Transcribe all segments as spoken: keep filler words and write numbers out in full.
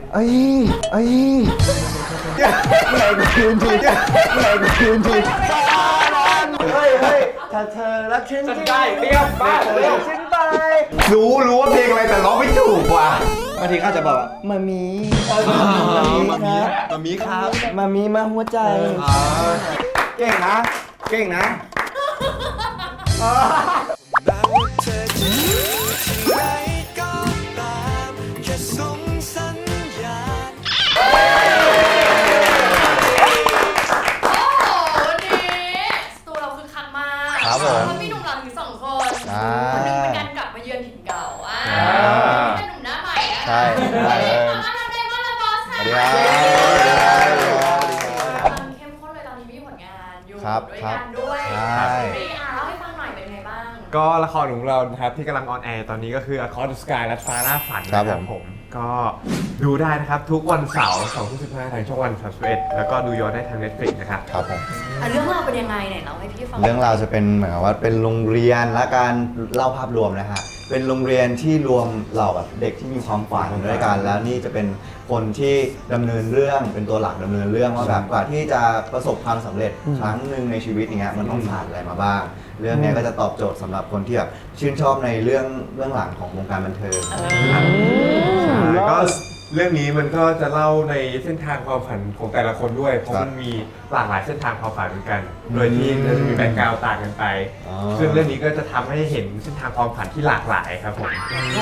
ไอ้ไอ้ไหนกูคืนทีไหนกูคืนทีเฮ้ยเฮ้ยถ้าเธอรักฉันจริงได้เรียบบ้าเลยฉันไปรู้รู้ว่าเพลงอะไรแต่ร้องไม่ถูกว่ะบางทีเขาจะบอกว่ามามีมามีครับมามีครับมามีมาหัวใจเก่งนะเก่งนะครับผมมีหนุ่มหล่อถึงสองคนคนนึงเป็นการกลับมาเยือนถิ่นเก่าอ่าเป็นหนุ่มหน้าใหม่นะใช่ใช่มาทำได้มาละบอสค่ะสวัสดีครับมันเข้มข้นเลยตอนนี้มีผลงานอยู่ด้วยกันด้วยรีอาเล่าให้ฟังหน่อยเป็นไงบ้างก็ละครของเรานะครับที่กำลังออนแอร์ตอนนี้ก็คือ Across the Sky และฟ้าล่าฝันนะครับผมก็ดูได้นะครับทุกวันเสาร์สองทุ่มสิบห้าทางช่องวันสามสิบเอ็ดแล้วก็ดูย้อนได้ทาง Netflix นะครับครับผมเรื่องราวเป็นยังไงไหนเล่าให้พี่ฟังเรื่องราวจะเป็นเหมือนกับว่าเป็นโรงเรียนและการเล่าภาพรวมนะฮะเป็นโรงเรียนที่รวมเหล่าแบบเด็กที่มีความฝันด้วยกันแล้วนี่จะเป็นคนที่ดำเนินเรื่องเป็นตัวหลักดำเนินเรื่องว่าแบบกว่าที่จะประสบความสำเร็จครั้งหนึ่งในชีวิตอย่างเงี้ยมันต้องผ่านอะไรมาบ้างเรื่องนี้ก็จะตอบโจทย์สำหรับคนที่แบบชื่นชอบในเรื่องเรื่องหลังของวงการบันเทิงก็เรื่องนี้มันก็จะเล่าในเส้นทางความฝันของแต่ละคนด้วยเพราะมันมีหลากหลายเส้นทางความฝันเหมือนกันโดยที่จะมีแบ็คกราวด์ต่างกันไปซึ่งเรื่องนี้ก็จะทำให้เห็นเส้นทางความฝันที่หลากหลายครับผม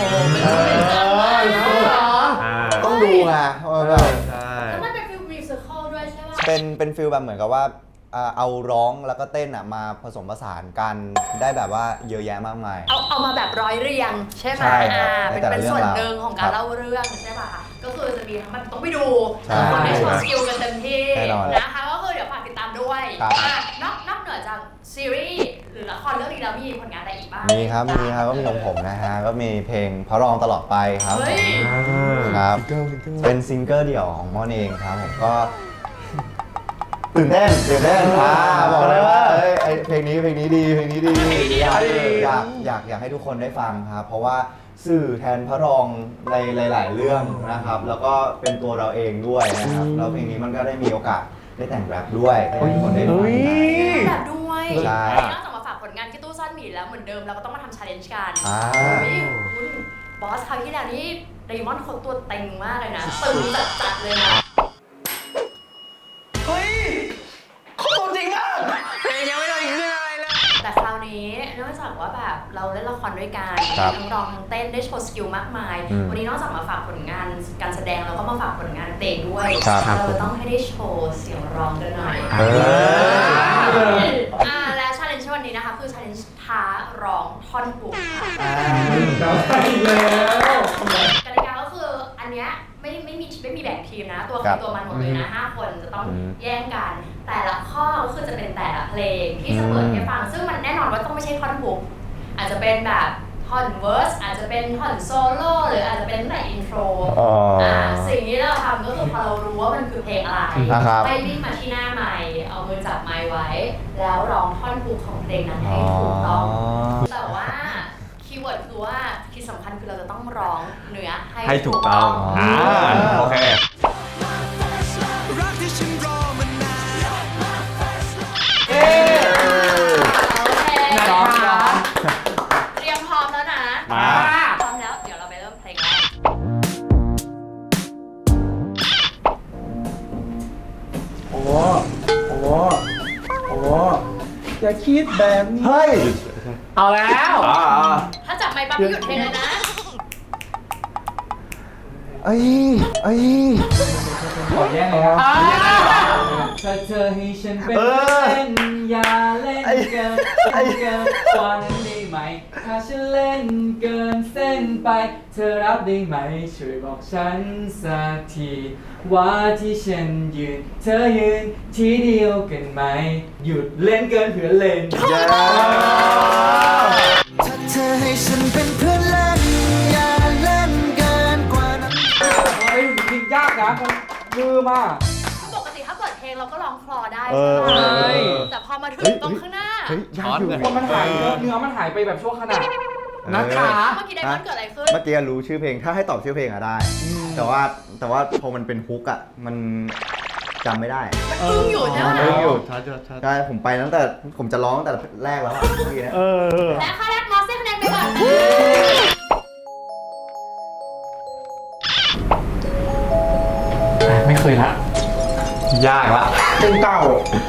ต้องดูไงใช่แล้วมันเป็นฟิลมิวสิคอลด้วยใช่ไหมเป็นเป็นฟิลแบบเหมือนกับว่าเอาร้องแล้วก็เต้นอ่ะมาผสมผสานกันได้แบบว่าเยอะแยะมากมายเอาเอามาแบบร้อยเรียงใช่ไหมอ่าเป็นเป็นส่วนหนึ่งของการเล่าเรื่องใช่ป่ะก็คือจะมีทั้งมันต้องไปดูคนได้โชว์สกิลกันเต็มที่นะคะก็คือเดี๋ยวฝากติดตามด้วยนอกนอกเหนือจากซีรีส์หรือละครเรื่องนี้แล้วมีผลงานอะไรอีกบ้างมีครับมีครับก็มีของผมนะฮะก็มีเพลงพระรองตลอดไปครับครับเป็นซิงเกิลเดี่ยวของม่อนเองครับผมก็ตื่นเต้นตื่นเต้นอ่าบอกเลยว่าเอ้ยเพลงนี้เพลงนี้ดีเพลงนี้ดีอยากอยากอยากอยากให้ทุกคนได้ฟังครับเพราะว่าสื่อแทนพระรองในหลายๆเรื่องนะครับแล้วก็เป็นตัวเราเองด้วยนะครับแล้วเพลงนี้มันก็ได้มีโอกาสได้แต่งแรปด้วยให้ทุกคนได้ฟังแรปด้วยใช่นอกจากมาฝากผลงานที่ตู้ซ่อนหมีแล้วเหมือนเดิมเราก็ต้องมาทำชาเลนจ์กันคุณบอสคราวที่แล้วนี่เดมอนเขาตัวเต็งมากเลยนะตึงจัดๆเลยนะเฮ้ยเขาตัวจริงมากเพลงยังไม่ได้ขึ้นอะไรเลยแต่คราวนี้นอกจากว่าแบบเราเล่นละครด้วยกันทั้งร้องทั้งเต้นได้โชว์สกิลมากมายวันนี้นอกจากมาฝากผลงานการแสดงแล้วก็มาฝากผลงานเพลงด้วยเราต้องให้ได้โชว์เสียงร้องกันหน่อยอ่าและชาเลนจ์วันนี้นะคะคือชาเลนจ์ท้าร้องท่อนฮุกค่ะแล้วกติกาก็คืออันเนี้ยไม่ไม่มีไม่มีแบ่งทีมนะตัวใครตัวมันหมดเลยนะห้าคนจะต้องแย่งกันแต่ละข้อก็คือจะเป็นแต่ละเพลงที่จะเปิดให้ฟังซึ่งมันแน่นอนว่าต้องไม่ใช่ท่อนฮุกอาจจะเป็นแบบท่อนเวิร์สอาจจะเป็นท่อนโซโล่หรืออาจจะเป็นแต่อินโทรอ่าสิ่งที่เราทำก็คือพอเรารู้ว่ามันคือเพลงอะไรไปวิ่งมาที่หน้าไมค์เอามือจับไมค์ไว้แล้วร้องท่อนฮุกของเพลงนั้นให้ถูกต้องแต่ว่าคีย์เวิร์ดคือว่าที่สำคัญคือเราจะต้องร้องเนื้อให้ถูกต้องอ่าโอเคเตรียมพร้อมแล้วนะมาพร้อมแล้วเดี๋ยวเราไปเริ่มเพลงแรกโอ้โอ้โอ้อย่าคิดแบบนี้เฮ้ยเอาแล้วถ้าจับไมค์ปั๊บหยุดเพลงเลยนะไอ้ไอ้ขอแย่งเลยครับถ้าเธอให้ฉันเป็นเล่นอย่าเล่นเกินเกินกว่านั้นได้ไหมถ้าฉันเล่นเกินเส้นไปเธอรับได้ไหมช่วยบอกฉันสักทีว่าที่ฉันยืนเธอยืนที่เดียวกันไหมหยุดเล่นเกินเพื่อเล่นถ้าเธอให้ฉันเป็นเพื่อนเล่นอย่าเล่นเกินกว่านั้นเฮ้ยจริงยากนะมือมาปกติถ้าเปิดเพลงเราก็ร้องคลอได้ใช่ไหมแต่พอมาถึงตรงข้างหน้าคนมันหายเนื้อมันหายไปแบบชั่วขณะนะคะเมื่อกี้ไดมอนด์เกิดอะไรขึ้นเมื่อกี้รู้ชื่อเพลงถ้าให้ตอบชื่อเพลงอะได้ แต่ว่าแต่ว่าพอมันเป็นฮุกอะมันจำไม่ได้มันอึ้งอยู่ใช่ไหมเอออยู่ชัดชัดชัดใช่ผมไปตั้งแต่ผมจะร้องตั้งแต่แรกแล้วอะเมื่อกี้เนะเออและค่าแรกมอสได้คะแนนไปก่อนไม่เคยละยากละเพลงเก่า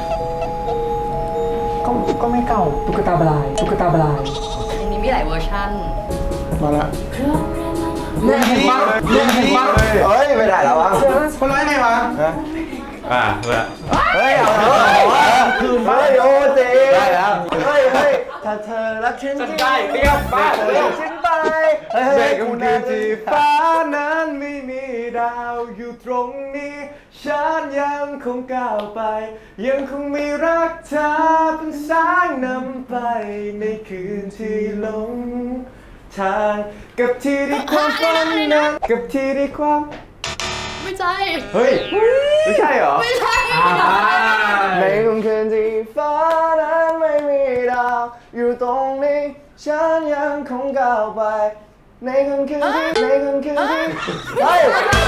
ก็ก็ไม่เก่าตุ๊กตาบลายตุ๊กตาบลายเพลงนี้มีหลายเวอร์ชันมาละเนี่ยเห็นปะเนี่ยเห็นปะเฮ้ยไม่ได้แล้ววะคนร้ายไงวะอ่ะเลยเฮ้ยเอาแล้วคืนเฮ้ยโอ้เจ๊ได้แล้วเฮ้ยเฮ้ยถ้าเธอรักฉันจริงได้เรียบบ้าเรียกฉันไปเฮ้ยเด็เฮ้ยกคุคณนนั้ที่นฟ้านั้นไม่มีดาวอยู่ตรงนี้ ฉันยังคงก้าวไป ยังคงมีรักเธอเป็นสายนำไปในคืนที่หลงทางกับที่ที่ความฝันนั้นกับที่ที่ความไม่ใช่เฮ้ย ไม่ใช่เหรอไม่ใช่ในค่ำคืนที่ฟ้านั้นไม่มีดาวอยู่ตรงนี้ ฉันยังคงก้าวไป ในค่ำคืนที่ในค่ำคืนที่เฮ้ย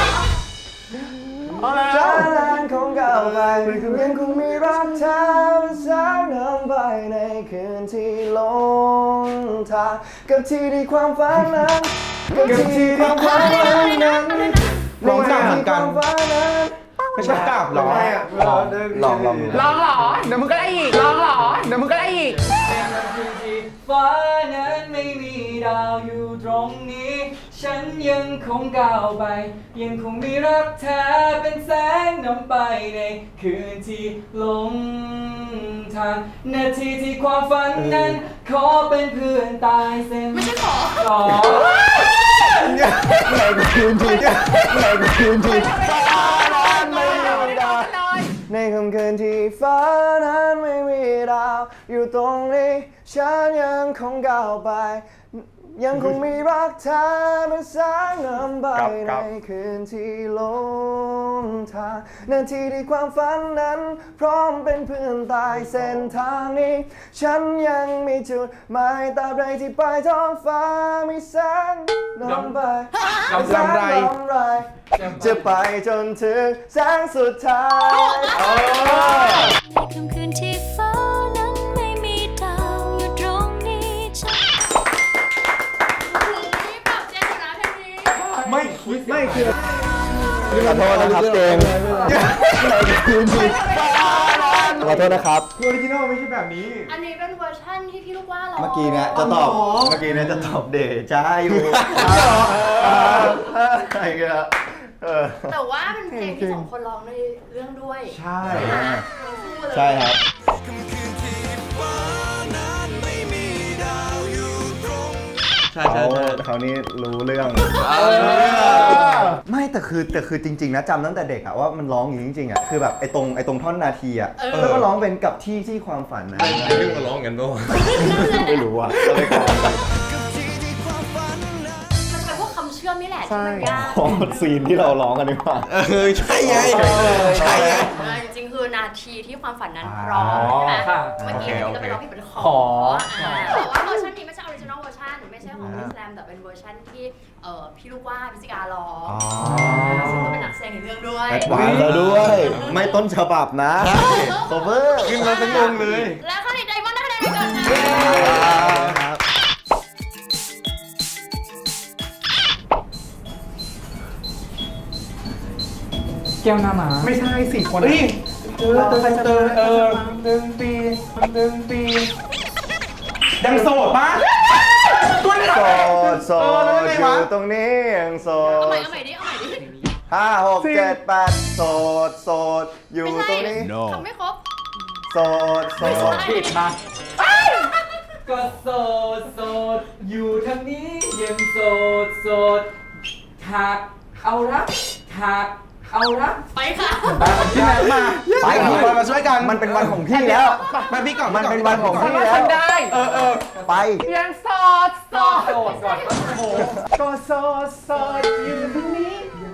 ฉันยังคงก้าวไปยังคงมีรักเธอเป็นสายนำไปในคืนที่หลงทางกับที่ที่ความฝันนั้นกับที่ที่ความฝันนั้นลองกลับเหมือนกันไม่ใช่กลับหรอลองลองลองลองเหรอ เดี๋ยวมึงก็ได้อีก ลองเหรอ เดี๋ยวมึงก็ได้อีกฟ้านั้นไม่มีดาวอยู่ตรงนี้ ฉันยังคงก้าวไป ยังคงมีรักแท้เป็นแสงนำไปในคืนที่หลงทางนาทีที่ความฝันนั้น ขอเป็นเพื่อนตายเส้นไม่ใช่ขอขอในคืนที่ในคืนที่ฟ้านั้นไม่มีดาวในค่ำคืนที่ฟ้านั้นไม่มีดาวอยู่ตรงนี้ฉันยังคงก้าวไป ยังคงมีรักเธอเป็นแสงนำไปในคืนที่หลงทางนาทีที่ความฝันนั้น พร้อมเป็นเพื่อนตายเส้นทางนี้ ฉันยังมีจุดหมายตราบใดที่ปลายท้องฟ้ามีแสงนำไปลำลำไรลำไรจะไปจนถึงแสงสุดท้ายในค่ำคืนที่ฟ้านั้นไม่มีดาวอยู่ตรงนี้ฉันนี่ปรับเจนอยู่นะเพลงนี้ไม่ไม่คือขอโทษนะครับเจมส์ในคืนที่ขอโทษนะครับออริจินอลไม่ใช่แบบนี้อันนี้เป็นเวอร์ชันที่พี่ลูกว่าร้องเมื่อกี้เนี่ยจะตอบ เมื่อกี้เนี่ยจะตอบเดชาอยู่ใช่ครับเออแต่ว่าเป็นเพลงที่สองคนร้องในเรื่องด้วยใช่ใช่ครับใช่เขาใช่เขานี่รู้เรื่อง ไม่แต่คือแต่คือจริง ๆ นะจำตั้งแต่เด็กอะว่ามันร้องอย่างนี้จริงๆอะคือแบบไอ้ตรงไอ้ตรงท่อนนาทีอะแล้วก็ร้องเป็นกับที่ที่ความฝันนะในเรื่องมาร้องกันด้วยไม่รู้อะก็เลยขอมันเป็นพวกคำเชื่อมนี่แหละที่มันยากขอซีนที่เราร้องกันดีกว่าเออใช่ไงใช่ไงเออจริงๆคือนาทีที่ความฝันนั้นร้องใช่ไหมค่ะเมื่อกี้ก็ไปร้องผิดเป็นขอขออ่าแต่ว่าเวอร์ชันนี้ไม่ใช่ออริจินอลเวอร์ชันไม่ใช่ของพี่แซมแต่เป็นเวอร์ชันที่เอ่อพี่ลูกว่าพิจิการร้องซึ่งก็เป็นนักแสดงในเรื่องด้วยแอดวานซ์แล้วด้วย ไม่ต้นฉบับนะโคเวอร์ขึ้นมาเป็นงงเลยและข้อนี้ไดมอนด์ได้คะแนนไปก่อนค่ะครับแก้วหน้าหมา ไม่ใช่สี่คนนี่เออเติมเติมเออหนึ่งปีหนึ่งปียังโสดปะตัวนี้โสดโสดอยู่ตรงนี้ยังโสเอาใหม่ดเอาใหม่ดิเอาใหม่ดิห้าหกเจ็ดแปดโสดโสดอยู่ไม่ตใช่รงนี้ทำไม่ครบโสดโสไม่ใช่ดผิดมาก็โสดโสดอยู่ทางนี้ยังโสดโสดหากเอารักหากเอารักไปค่ะพี่แม็กมาไปพี่บอยมาช่วยกันมันเป็นวันของพี่แล้วมาพี่ก่อนมันเป็นวันของพี่พี่แล้วทำได้ เออเออไปยังโสดโสดโสดก่อนโอ้โหก็โสดโสดอยู่ตรงนี้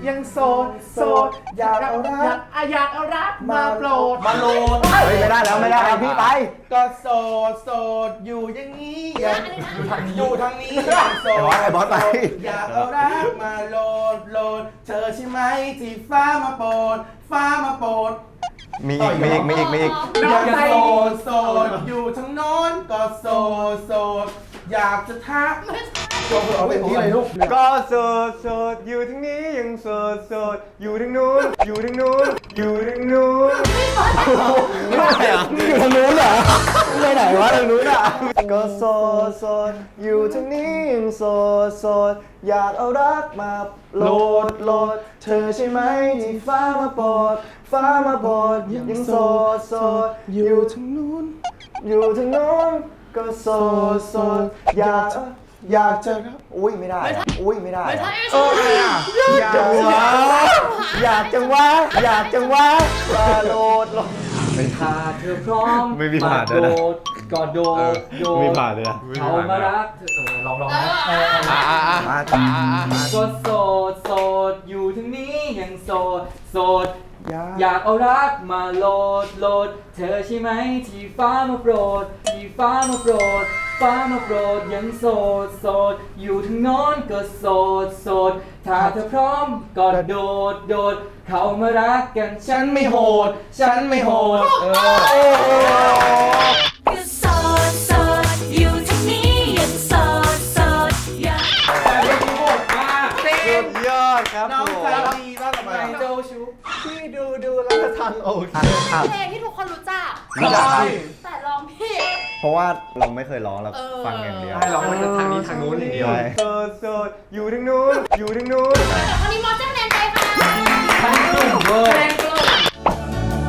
ยังโสดโสดอยากเอารักอยากเอารักมาโปรดมาโลดเฮ้ยไม่ได้แล้วไม่ได้แล้วพี่ไปก็โสดโสดอยู่อย่างนี้อย่างอยู่ทางนี้อย่างโสดไอ้บอสไปอยากเอารักมาโหลดโหลดเธอใช่ไหมที่ฟ้ามาโปรดฟ้ามาโปรดมีอีกมีอีกมีอีกมีอีกอยากโสดโสดอยู่ทางโน้นก็โสดโสดอยากจะทักตัวเธอเอาเป็นที่อะไรลูกก็โสดโสดอยู่ทั้งนี้ยังโสดโสดอยู่ทั้งนู้นอยู่ทั้งนู้นอยู่ทั้งนู้นไม่ได้อะอยู่ทางนู้นเหรอไปไหนวะทางนู้นอ่ะก็โสดโสดอยู่ทางนี้ยังโสดโสดอยากเอารักมาโหลดโหลดเธอใช่ไหมที่ฟ้ามาโปรดฟ้ามาโปรดยังโสดโสดอยู่ทางนู้นอยู่ทางนู้นก็โสดโสดอยากอยากจะอุ้ยไม่ได้อะอุ้ยไม่ได้ไม่อะใช่เอออะไรอ่ะอยากจังวะอยากจังวะอยากจังวะมาโหลดโหลดถ้าเธอพร้อมไม่มีผ่านด้วยนะโดดก็โดดโดดมีผ่านเลยนะเขามารักเธอเออลองลองนะเอออ่าอ่าอ่ามาจ้าก็โสดโสดอยู่ทั้งนี้ยังโสดโสดอยากเอารักมาโหลดโหลดเธอใช่ไหมที่ฟ้ามาโปรดที่ฟ้ามาโปรดฟ้ามาโปรดยังโสดโสดอยู่ทั้งโน้นก็โสดโสดถ้าเธอพร้อมก็โดดโดดเขามารักกันฉันไม่โหด ฉันไม่โหดเออก็โสดโสดอยู่ทางนี้ยังโสดโสดอยากแต่เมื่อกี้โหดมากสุดยอดครับน้องผมใจดีมากเลยเจ้าชู้พี่ดูดูแล้วก็ทันโอเคครับเพลงที่ทุกคนรู้จักรู้จักครับแต่ร้องผิดเพราะว่าเราไม่เคยร้องเราเออฟังอย่างเดียวให้เรามันจะทางนี้ทางนู้นอย่างเดียวใช่โสดโสดอยู่ทั้งนู้นอยู่ทั้งนู้นแต่คนนี้มอสเจ้าแนนใจค่ะทั้งกลุ่มเวอร์แนนกลุ่ม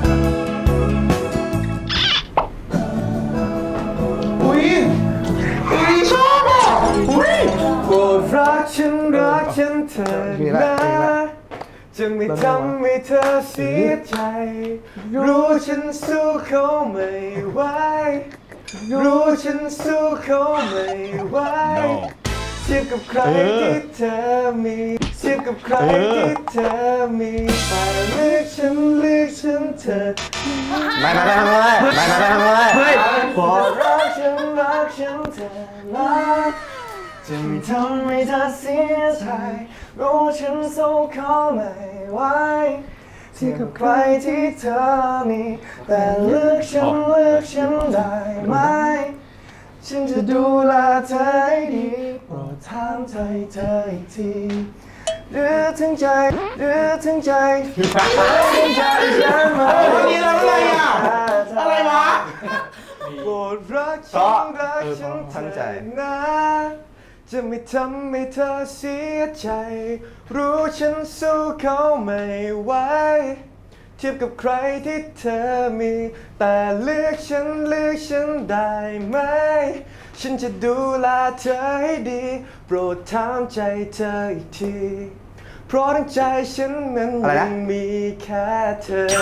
อุ้ยอุ้ยชอบอ่ะอุ้ยโปรดรักฉันรักฉันเธอมีละนะมีละจะไม่ทำให้เธอเสียใจ รู้ฉันสู้เขาไม่ไหวรู้ฉันสู้เขาไม่ไหวเทียบกับใครที่เธอมีเทียบกับใครที่เธอมีแต่เลือกฉันเลือกฉันเธอไม่ไม่ไม่ไม่ไม่ไม่ไม่ไม่เฮ้ยพอรักฉันรักฉันเธอนะจะไม่ทำให้เธอเสียใจรู้ฉันสู้เขาไม่ไหวเทียบกับใครที่เธอมีแต่เลือกฉันเลือกฉันได้ไหมฉันจะดูแลเธอให้ดีโปรดถามใจเธออีกทีหรือถึงใจหรือถึงใจหรือถึงใจฉันไหมวันนี้เราอะไรอ่ะ อะไรวะโปรดรักเพฉัราะนรักฉันตั้งใจนะ จะไม่ทำให้เธอเสียใจ รู้ฉันสู้เขาไม่ไหวเทียบกับใครที่เธอมี แต่เลือกฉันเลือกฉันได้ไหม ฉันจะดูแลเธอให้ดี โปรดถามใจเธออีกที เพราะทั้งใจฉันนั้นอะไรนะยังมีแค่เธอ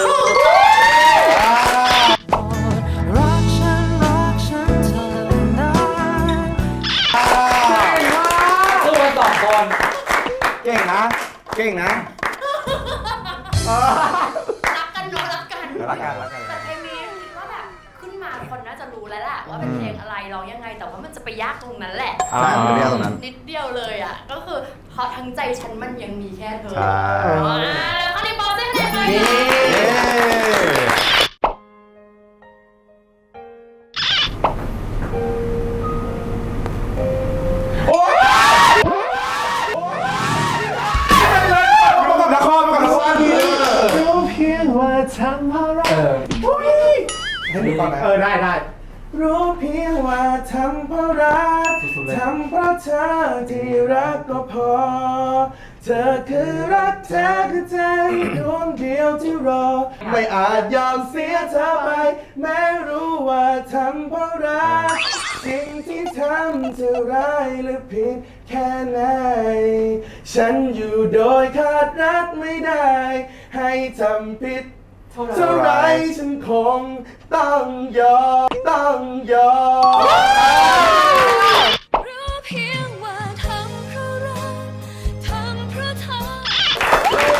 รักฉันรักฉันเธอนะสู้กันสองคนเก่งนะ เก่งนะรักกันเนอะรักกันรักกันรักกันแต่เพลงนี้คิดว่าแบบขึ้นมาคนน่าจะรู้แล้วแหละว่าเป็นเพลงอะไรร้องยังไง แต่ว่ามันจะไปยากตรงนั้นแหละใช่มันเรียกตรงนั้นนิดเดียวเลยอ่ะ ก็คือเพราะทั้งใจฉันมันยังมีแค่เธอใช่อ๋อแล้วข้อนี้บอสได้คะแนนไปเย้ประกอบละครประกอบละครดีรู้เพียงว่าทำเพราะรักให้ดูก่อนนะเออได้ได้รู้เพียงว่าทำเพราะรักทำเพราะเธอที่รักก็พอ เธอคือรักเธอคือใจดวงเดียวที่รอ ไม่อาจยอมเสียเธอไป แม้รู้ว่าทำเพราะรักสิ่งที่ทำจะร้ายหรือผิดแค่ไหน ฉันอยู่โดยขาดรักไม่ได้ ให้ทำผิด เท่าไรฉันคงต้องยอมต้องยอมรู้เพียงว่าทำเพราะรักทำเพราะเธอ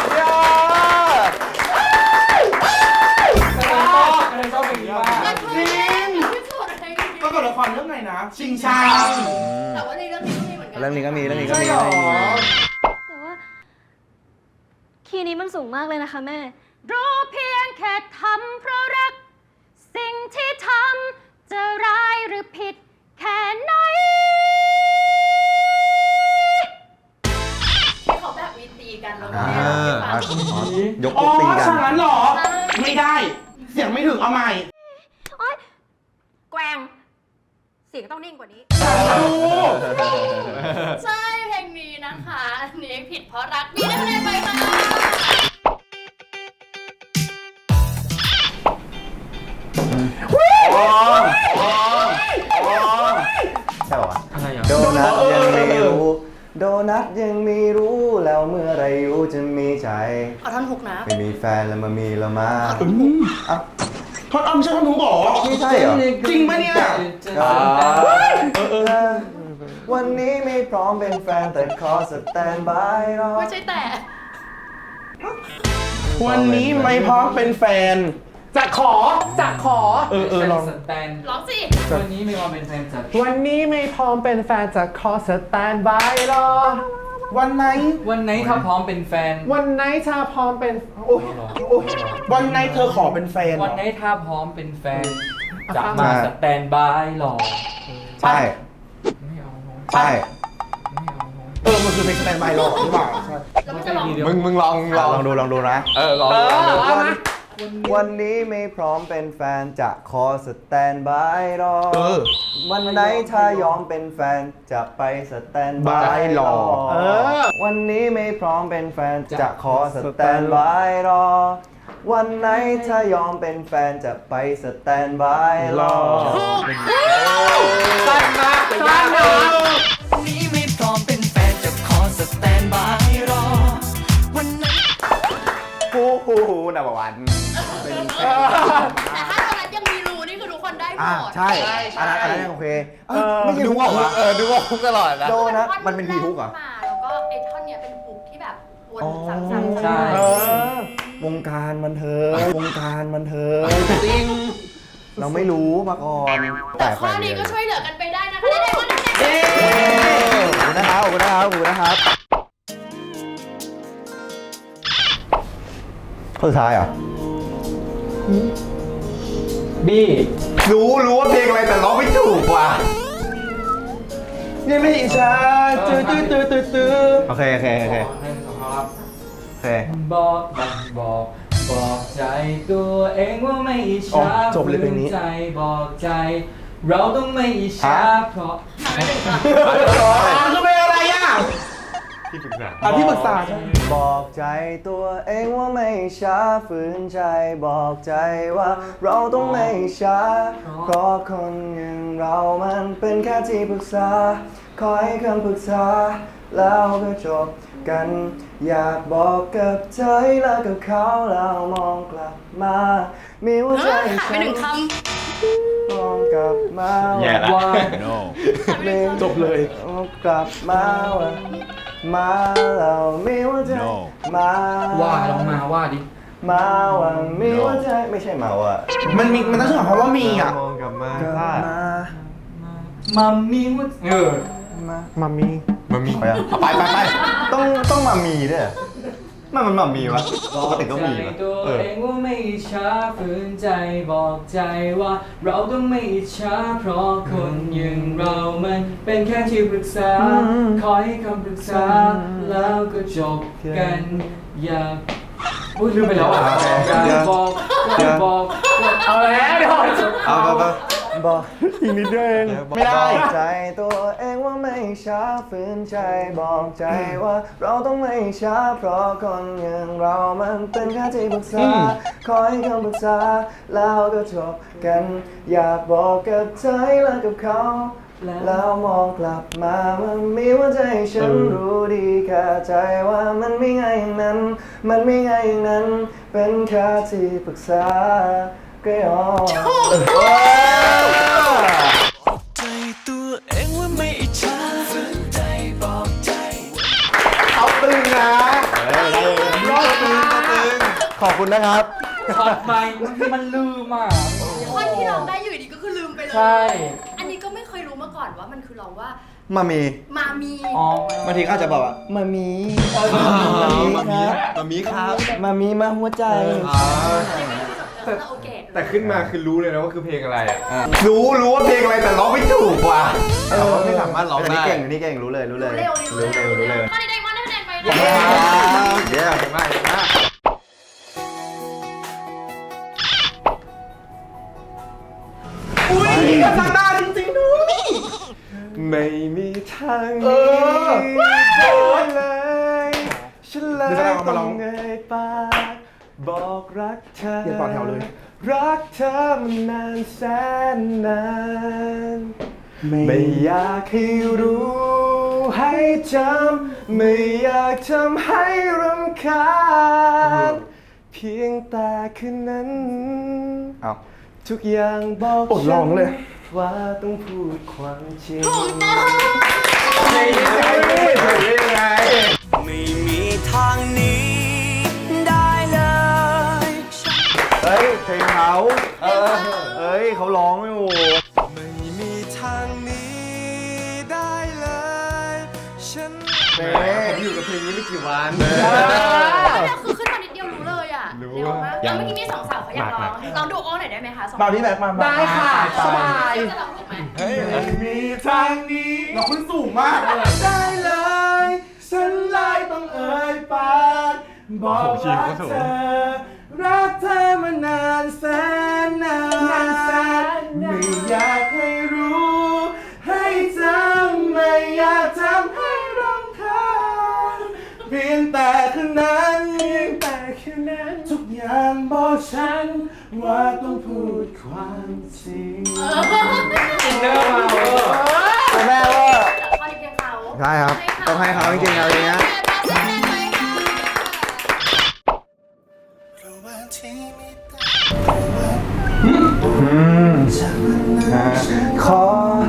ละครเรื่องไหนนะ ชิงชาแต่ว่าในเรื่องนี้ก็มีเหมือนกัเรื่องนี้ก็มีเรื่องนี้ก็ใช่มีหรอแต่ว่า คีย์นี้มันสูงมากเลยนะคะแม่ รู้เพียงแค่ทำเพราะรัก สิ่งที่ทำจะร้ายหรือผิดแค่ไหนที่เขาแบบมีตีกันแล้วก็อ่าแม่อ่ะให้ฟังอ๋อยกอ๋พอวกตีกันฉากนั้นเหรอ ไม่ได้ เสียงไม่ถึงเอาใหม่แกว่งเสียงต้องนิ่งกว่านี้ใช่เพลงนี้นะคะอันนี้ผิดเพราะรักมีได้คะแนนไปค่ะใช่ป่าวะอะไรอ่ะโดนัทยังไม่รู้ โดนัทยังไม่รู้แล้วเมื่อไรอยู่จะมีใจเอาท่อนฮุกนะไม่มีแฟนแล้วมามีแล้วมาอ่ะทอดอ้อมใช่ทอดหนูบอกไม่ใช่เหรอจริงปะเนี่ยอ่าวันนี้ไม่พร้อมเป็นแฟนแต่ขอสแตนบายรอไม่ใช่แต่วันนี้ไม่พร้อมเป็นแฟน จะขอ จะขอ เออเออลองสแตนร้องสิวันนี้มีความเป็นแฟนจัดวันนี้ไม่พร้อมเป็นแฟนจะขอสแตนบายรอ วันไหนวันไหนถ้าพร้อมเป็นแฟนวันไหนชาพร้อมเป็นโอ้ยโอ้ยวันไหนเธอขอเป็นแฟนเหรอวันไหนถ้าพร้อมเป็นแฟน จะมาสแตนบายรอใช่ไม่เอาน้องใช่ไม่เอาน้องเออ มันคือเพลงสแตนบายรอหรือเปล่าใช่แล้วมันจะร้องมึงมึงลองลลององดูลองดูนะเออลองเออเอามาวันนี้ไม่พร้อมเป็นแฟนจะขอสแตนบายรอเออวันไหนถ้ายอมเป็นแฟนจะไปสแตนบายรอเออวันนี้ไม่พร้อมเป็นแฟนจะขอสแตนบายรอ วันไหนถ้ายอมเป็นแฟนจะไปสแตนบายรอสั้นมากแต่ยากเลยนี้ไม่พร้อมเป็นแฟนจะขอสแตนบายรอ วันนั้นฮู้ฮู้ฮู้นับวันเป็นแฟนแต่ถ้าตอนนั้นยังมีรูนี่คือทุกคนได้หมอ่าดใช่อันนั้นอันนั้นยังโอเคเออไม่ใช่ดูฮุกว่าเหรอเออดูว่าคุกตลอดนะโดนะท่อมันเป็นพีฮุกเหรอแกขึ้นมาแล้วก็ไอ้ท่อนเนี้ยเป็นฮุกที่แบบวนอ๋อซ้ำๆใช่เออวงการบันเทิงวงการบันเทิงจริงเราไม่รู้มาก่อนแต่ข้อไปนี้เรียก็ช่วยเหลือกันไปได้นะคะได้ๆก็ได้เย้ขอบคุณนะครับขอบคุณนะครับขอบคุณนะครับข้อสุดท้ายเหรอบี้รู้รู้ว่าเพลงอะไรแต่ร้องไม่ถูกว่ะยังไม่อิจฉาตื้อตื้อตื้อตื้อตื้อโอเคโอเคโอเคให้ของเขาครับโอเคบอกบอก บอกใจตัวเองว่าไม่อิจฉาฝืนใจบอกใจ เราต้องไม่อิจฉาเพราะอ๋อคือเป็นอะไรอ่ะที่ปรึกษาอ่ะที่ปรึกษาใช่บอกใจตัวเองว่าไม่ช้าฝืนใจบอกใจว่าเราต้องไม่ช้า เพราะคนอย่างเรามันเป็นแค่ที่ปรึกษาคอยคำปรึกษาแล้วก็จบกัน อยากบอกกับเธอให้เลิกกับเขาแล้วมองกลับมามีหัวใจหายไปฉัหนึ่งคมองกลับมาแย่ละว่าจบเลยกลับมาว่ามาเรามีหัวใจมาว่าลองมาว่าดิมาว่ามีหัวใจไม่ใช่มาว่ามันมีมันต้องชื่อของเขาว่ามีอ่ะมองกลับมากลับถ้ามามัมมี่ว่าเออมามามีมันมีไปอ่ะไปไปไปต้องต้องมามีด้วยเหรอมันมันมามีวะปกติต้องมีใจวะตัวเออเองว่าไม่อิจฉาฝืนใจบอกใจว่า เราต้องไม่อิจฉาเพราะคนอย่างเรามันเป็นแค่ที่ปรึกษาคอยให้คำปรึกษาแล้วก็จบกันอย่าพูดลืมไปแล้วอ่ะอย่าบอกอย่าบอกเอาแล้วเดี๋ยวเอาไปไปบอกอีกนิดเดียวเองไม่ได้บอกใจตัวเองว่าไม่ช้าฝืนใจบอกใจว่าเราต้องไม่ช้าเพราะคนอย่างเรามันเป็นแค่ที่ปรึกษาคอยให้คำปรึกษาแล้วก็จบกัน อยากบอกกับเธอให้เลิกกับเขาแล้วมองกลับมามันมีหัวใจฉันรู้ดีแค่ใจว่ามันไม่ง่ายอย่างนั้น มันไม่ง่ายอย่างนั้น เป็นแค่ที่ปรึกษาก็ยอมใจตัวเองว่าไม่อิจฉาฝืนใจบอกใจเอาตึงนะรอดตึงตึงขอบคุณนะครับช็อตใหม่มันลืมอ่ะำท่อนที่ร้องได้อยู่ดีก็คือลืมไปเลยใช่อันนี้ก็ร้องว่ามามีมามีอ๋อบางทีก็อาจจะบอกว่ามามีมามีครับมามีครับมามีมาหัวใจยังไม่ได้จบเรื่องคาราโอเกะแต่ขึ้นมาคือรู้เลยนะว่าคือเพลงอะไรอ่ะรู้รู้ว่าเพลงอะไรแต่ร้องไม่ถูกว่ะแต่ว่าไม่สามารถร้องอันนี้ได้เก่งอันนี้เก่งรู้เลยรู้เลยเร็วเร็วรู้เร็วรู้เร็วข้อนี้ได้มอนได้คะแนนไปนะเดี๋ยวเก่งมากเก่งมากอุ้ยกับทางหน้าจริงๆด้วยไม่มีทางนี้เลยฉันเลยต้องเงยปากบอกรักเธออย่าต่อแถวเลยรักเธอมานานแสนนานไม่อยากให้รู้ให้จำไม่อยากทำให้รำคาญเพียงแต่คืนนั้นเอาทุกอย่างบอกปวดร้องเลยว่าต้องพูดความจริงถูกต้องไม่ได้ไม่ได้ไม่มีทางหนี้ได้เลยเฮ้ยเพลงเขาเออเฮ้ยเขาร้องอยู่ไม่มีทางหนี้ได้เลยฉันแหมผมอยู่กับเพลงนี้ไม่กี่วันเนี่ยคือขึ้นมานิดเดียวรู้เลยอ่ะรู้เร็วมากยัแล้วงเมื่อกี้มีสองสาวเขาอยากร้องลองดูโอ้หน่อยได้ไหมคะสองบาวนี่แบกมาได้ค่ะสบายจะร้องถูกไหมไม่มีทางนี้เราขึ้นสูงมากได้เลยฉันเลยต้องเอ่ยปากบอกรักเธอรักเธอมานานแสนนานไม่อยากให้รู้ให้จำไม่อยากทำให้รำคาญเพียงแต่คืนนั้นเพียงแต่คืนนั้นทุกอย่างบอกฉันว่าต้องพูดความจริงอินเนอร์มาเวอร์ตัวแม่ว่าแต่ข้อนี้เพียงเขาใช่ครับต้องให้เขาจริงๆเอาอย่างเงี้ย ขอ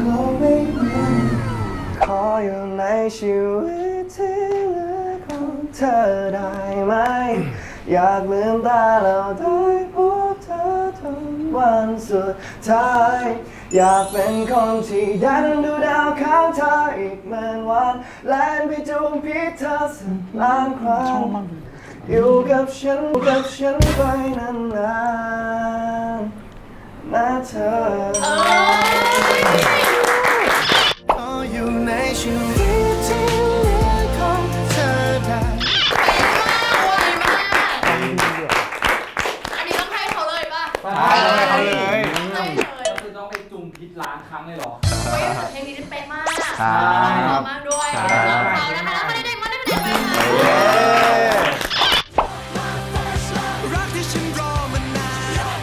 ขออยู่ในชีวิตที่เหลือของเธอได้ไหม อยากลืมตาแล้วได้พบเธอทุกวันสุดท้าย อยากเป็นคนที่ดันดูดาวข้างเธออีกหมื่นวันแล่นไปจูงพิษเธอสักล้านครั้งอยู่กับฉันอยู่กับฉันไปนานๆนะเธอขออยู่ในชีวิตที่เหลือของเธอได้อันนี้ต้องให้เขาเลยป่ะให้เลยให้เลยให้เลยก็คือต้องไปจุ่มพิษล้านครั้งเลยเหรอเฮ้ยแต่เพลงนี้เป๊ะมากครับร้องมากด้วยร้องเขานะคะแล้วไม่ได้มอนได้คะแนนไปค่ะรักที่ฉันรอมานาน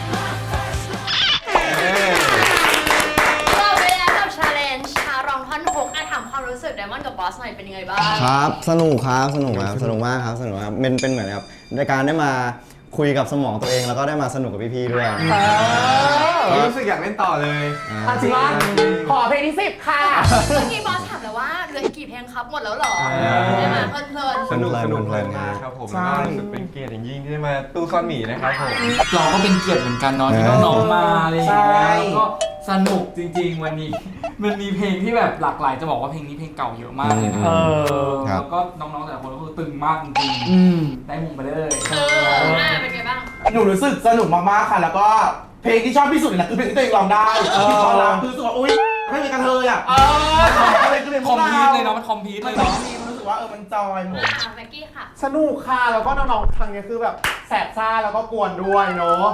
จบไปแล้วกับ challenge ชาร้องท่อนฮุกอ่ะถามความรู้สึกไดมอนด์กับบอสหน่อยเป็นยังไงบ้างครับสนุกครับสนุกครับสนุกมากครับสนุกครับเป็นเป็นเหมือนครับในการได้มาคุยกับสมองตัวเองแล้วก็ได้มาสนุกกับพี่ๆด้วยรู้สึกอยากเล่นต่อเลยอ่าอ่ะจริงว่าขอเพลงที่สิบค่ะเมื่อกี้บอสถามแล้วว่าเหลืออีกกี่เพลงครับหมดแล้วเหรอใช่ไหมเพลินสนุกสนุกเพลินมากครับผมแล้วก็รู้สึกเป็นเกียรติอย่างยิ่งที่ได้มาตู้ซ่อนหมีนะครับผมเราก็เป็นเกียรติเหมือนกันเนาะที่น้องๆมาอะไรอย่างเงี้ยแล้วก็สนุกจริงๆวันนี้ มันมีเพลงที่แบบหลากหลายจะบอกว่าเพลงนี้เพลงเก่าเยอะมากเลยนะเอแล้วก็น้องๆแต่ละคนก็คือตึงมากจริงๆได้มุมไปเลยๆเอออ่ะเป็นไงบ้างหนูรู้สึกสนุกมากๆค่ะ แล้วก็เพลงที่ชอบที่สุดเลยนะคือเพลงที่ตัวเองร้องได้ที่ตอนร้องคือรู้สึกว่าอุ้ยไม่มีกระเทยอ่ะเอออะไรก็เลยคอมพีทเลยเนาะมันคอมพีทมัเลนยร้องเนาะดีมันรู้สึกว่าเออมันจอยหมดอ่ะแม็กกี้ค่ะสนุกค่ะ แล้วก็น้องๆทางนี้คือแบบแสบซ่าแล้วก็กวนด้วยเนาะ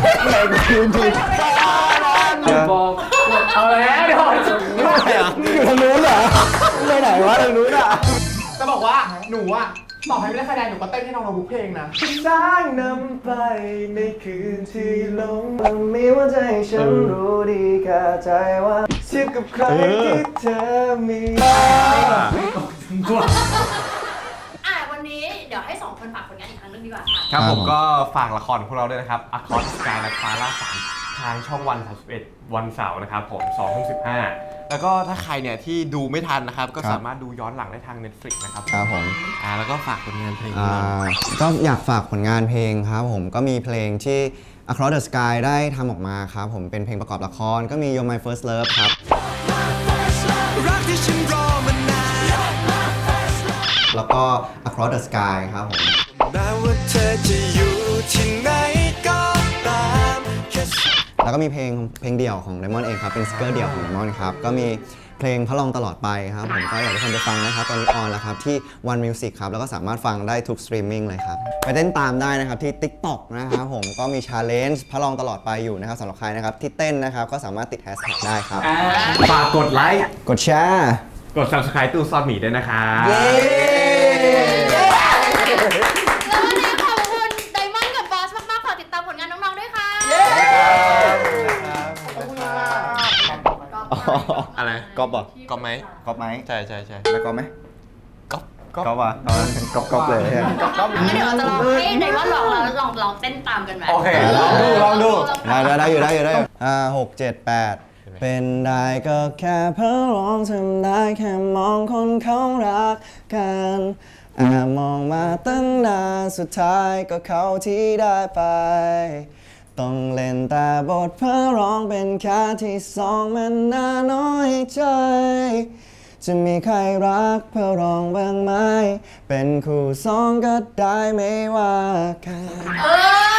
บอกเอาแล้วเดี๋ยวอยู่ทางนู้นเหรอไปไหนวะทางนู้นอ่ะจะบอกว่าหนูอ่ะต่อให้ไม่ได้คะแนนหนูก็เต้นให้น้องๆทุกเพลงนะสร้างนำไปในคืนที่หลงมันมีว่าใจฉันรู้ดีแค่ใจว่าเทียบกับใครที่เธอมีอ่ะวันนี้เดี๋ยวให้สองคนฝากผลงานอีกครั้งหนึงดีกว่าค่ะครับผมก็ฝากละครของพวกเราด้วยนะครับ Across Sky และฟ้าล่าฝันทางช่องวันสามสิบเอ็ดวันเสาร์นะครับผมสองทุ่มสิบห้าแล้วก็ถ้าใครเนี่ยที่ดูไม่ทันนะครับ ก็สามารถดูย้อนหลังได้ทาง Netflix นะครับครับผมอ่าแล้วก็ฝากผลงานเพลงอ่นี้หน่อยาก็อยากฝากผลงานเพลงครับผมก็มีเพลงที่ Across the Sky ได้ทำออกมาครับผมเป็นเพลงประกอบละครก็มี You're My First Love ครับรักที่ฉันรอมานานแล้วก็ Across the Sky ครับผมแม้ว่าเธอจะอยู่ที่ไหนก็ตามแค่แล้วก็มีเพลงเพลงเดี่ยวของ Diamond เองครับ เป็นซิงเกิลเดี่ยวของ Diamond ครับ ก็มีเพลงพระรองตลอดไปครับผมก็อยากให้ทุกคนไปฟังนะครับ ตอนนี้ออนแล้วครับที่ One Music ครับ แล้วก็สามารถฟังได้ทุกสตรีมมิ่งเลยครับ ไปเต้นตามได้นะครับที่ TikTok นะครับผมก็มี Challenge พระรองตลอดไปอยู่นะครับสำหรับใครนะครับที่เต้นนะครับก็สามารถติดแฮชแท็กได้ครับฝากกดไลค์กดแชร์กด Subscribe ตู้ซอสหมีด้วยนะครับเย้แล้ววันนี้ขอบคุณไดมอนด์กับบอสมากๆ ขอติดตามผลงานน้องๆ ด้วยค่ะอะไรก๊อปเหรอก๊อปไหมก๊อปไหมใช่ใช่ใช่แล้วก๊อปไหมก๊อปก๊อปก๊อปอ่ะเอาก๊อปก๊อปเลยก๊อปงั้นเดี๋ยวเราจะลองให้ไดมอนด์ลองแล้วลองลองเต้นตามกันไหมโอเคลองดูลองดูได้ได้ได้อยู่ได้อยู่ได้อยู่ห้าหกเจ็ดแปดเป็นได้ก็แค่เพ้อร้องทำได้แค่มองคนเขารักกันแอบมองมาตั้งนานสุดท้ายก็เขาที่ได้ไป ต้องเล่นแต่บทเพ้อร้องเป็นแค่ที่สองมันน่าน้อยใจ จะมีใครรักเพ้อร้องบ้างไหม เป็นคู่สองก็ได้ไม่ว่ากันเออ